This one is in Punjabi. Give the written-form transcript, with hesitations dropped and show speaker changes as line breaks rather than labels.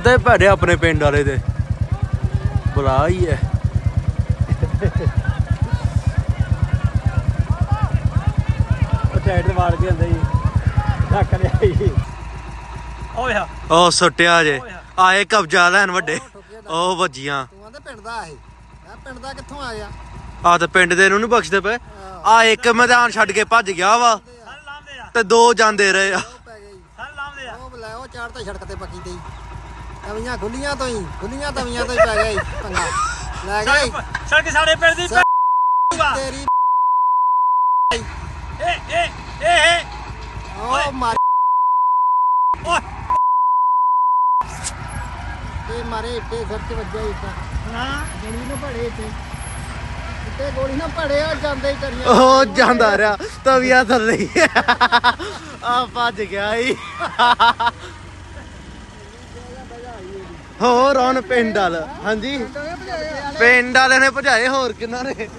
ਤੇ ਭੈੜੇ ਆਪਣੇ ਪਿੰਡ ਵਾਲੇ ਦੇ ਬੁਲਾ ਹੀ ਹੈ।
ਸਾਈਡ ਤੇ ਵਾੜ ਕੇ ਹੁੰਦੇ ਜੀ ਢੱਕ ਲਿਆ ਜੀ। ਓਏ ਆ
ਉਹ ਸੁੱਟਿਆ ਜੇ ਆਏ ਕਬਜ਼ਾ ਲੈਣ ਵੱਡੇ ਉਹ ਵੱਜੀਆਂ।
ਤੂੰ ਆਂਦੇ ਪਿੰਡ ਦਾ ਇਹ ਮੈਂ ਪਿੰਡ ਦਾ ਕਿੱਥੋਂ ਆ ਗਿਆ?
ਆ ਤੇ ਪਿੰਡ ਦੇ ਨੂੰ ਨੀ ਬਖਸ਼ਦੇ ਪਏ। ਆ ਇੱਕ ਮੈਦਾਨ ਛੱਡ ਕੇ ਭੱਜ ਗਿਆ ਵਾ ਤੇ ਦੋ ਜਾਂਦੇ ਰਹੇ ਆ।
ਉਹ ਪੈ ਗਈ ਉਹ ਲੈ ਉਹ ਚਾਰ ਤਾਂ ਸੜਕ ਤੇ ਪੱਕੀ ਤੇ ਤਵੀਆਂ ਖੁੱਲੀਆਂ ਤੋਂ ਹੀ ਖੁੱਲੀਆਂ ਤਵੀਆਂ ਤੋਂ ਹੀ ਪੈ ਗਈ ਪੰਗਾ ਲੈ ਗਈ
ਸੜਕ ਸਾਡੇ ਪਿੰਡ ਦੀ
ਤੇਰੀ
ਏ
ਉਹ ਮਾਰ
ਓਏ
ਤੇ ਮਾਰੇ ਇੱਟੇ ਸਿਰ ਤੇ ਵੱਜਿਆ ਇੱਟਾ
ਹਾਂ
ਗੋਲੀ ਨਾ ਭੜੇ ਇੱਟੇ ਗੋਲੀ ਨਾ ਭੜੇ ਆ ਜਾਂਦੇ ਹੀ ਕਰੀਆਂ
ਉਹ ਜਾਂਦਾ ਰਿਹਾ ਤਵੀਆਂ ਥੱਲੇ ਹੀ ਆ ਭੱਜ ਗਿਆ ਹੀ। ਹੋਰ ਹੁਣ ਪਿੰਡ ਵਾਲ ਹਾਂਜੀ ਪਿੰਡ ਵਾਲੇ ਨੇ ਭਜਾਏ ਹੋਰ ਕਿੰਨਾ ਨੇ।